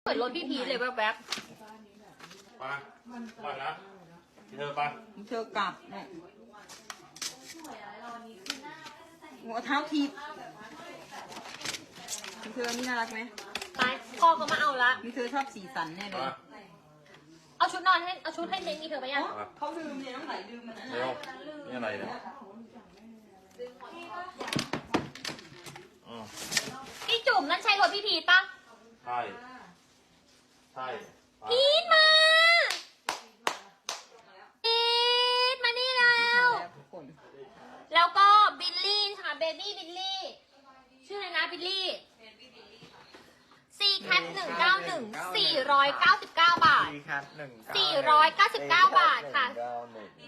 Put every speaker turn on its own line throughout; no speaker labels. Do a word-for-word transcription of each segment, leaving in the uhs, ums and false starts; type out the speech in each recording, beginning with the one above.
เปิดรถพี่พีชเลยแวบๆ
ไปไปนะเธอไป
เธอกลับเนี่ยหัวเท้าทีบเธอนี่น่ารักไหม
ไปพ่อเขามาเอาละ
มีเธอชอบสีสันแน่เลย
เอาชุดนอนให้เอาชุดให้เน้นมีเธอไปยัง
เขาลืมเนี่ยน้องไหลลืมมันนะ
เร็วนี่อะไรเนี่ยอืม
พี่จุ๋มนั่นใช่รถพี่พีชปะ
ใช่ใช่ไป
พีชมาพีชมานี่แล้ว
แล้วทุกคน
แล้วก็บิลลี่ค่ะเบบี้บิลลี่ชื่ออะไรนะบิลลี่ซีแคทหนึ่งเก้าหนึ่งสี่ร้อยเก้าสิบเก้าบาท
สี่ครับหนึ่ง
สี่ร้อยเก้าสิบเก้าบาทค่ะ
เก้าหนึ่ง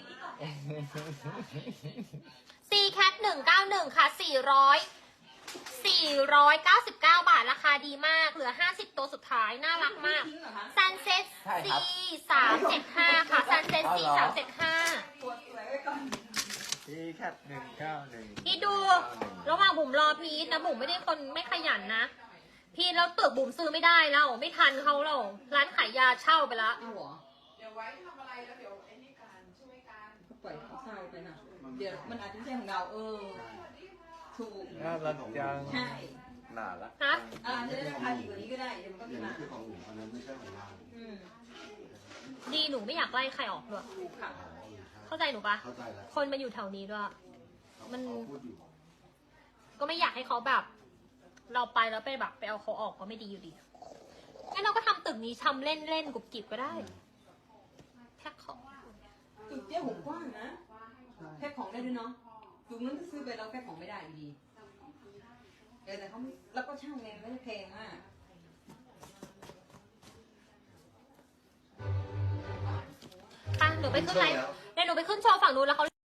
ซีแคทหนึ่งเก้าหนึ่งค่ะสี่ร้อยสี่ร้อยเก้าสิบเก้าบาทราคาดีมากเหลือห้าสิบตัวสุดท้ายน่ารักมาก ซันเซ็ตซีสามเจ็ดห้าค่ะซันเซ็ตซีสามเจ็ดห้า
สี่ครับหนึ่งเก้าหนึ่ง
พี่ดูระหว่างบุ๋มรอพีทนะบุ๋มไม่ได้คนไม่ขยันนะพีทแล้วเตือกบุ๋มซื้อไม่ได้แล้วไม่ทันเขาแล้วร้านขายยาเช่าไปละ
เอาเหรอ
เดี๋ยวไว้ทำอะไรแล้วเดี๋ยวไอ้นี่การช่วยกัน
ปล่อยเขาเศร้าไปนะเดี๋ยวมันอาจจะไม่ใช่ของเราเออถูก
น่ารักจัง
ใช่
น่ารัก
ฮะ
อ่าจะได้ราคาดีกว่านี้ก็ได้เดี๋ยวมันก็
อ
มี
ย่าง
มา
นี้คือของหนูอันนั้นไม่ใช่ของเรา
อืม
ดีหนูไม่อยากไล่ใครออกด้วย
ถูกค่ะ
เข้าใจหนูปะ
เข้าใจแล้ว
คนมาอยู่แถวนี้ด้วย มัน
เขาพูดอยู่
ก็ไม่อยากให้เขาแบบ เราไปแล้วไปแบบไปเอาเขาออกก็ไม่ดีอยู่ดีงั้นเราก็ทำตึกนี้ทำเล่นเล่นๆกุบกิบก็ได้แพ็คของ
จุดเจ้าหุกว้างนะแพ็คของได้ด้วยเนาะจุดนั้นถ้าซื้อไปเราแพ็คของไม่ได้อยู่ดีเออแต่เขาไม่แล้วก็ช่างเองไม่ได้แพงมาก
อ่ะหนูไปขึ้นไลฟ์เดี๋ยวหนูไปขึ้นโชว์ฝั่งนู้นแล้วเขา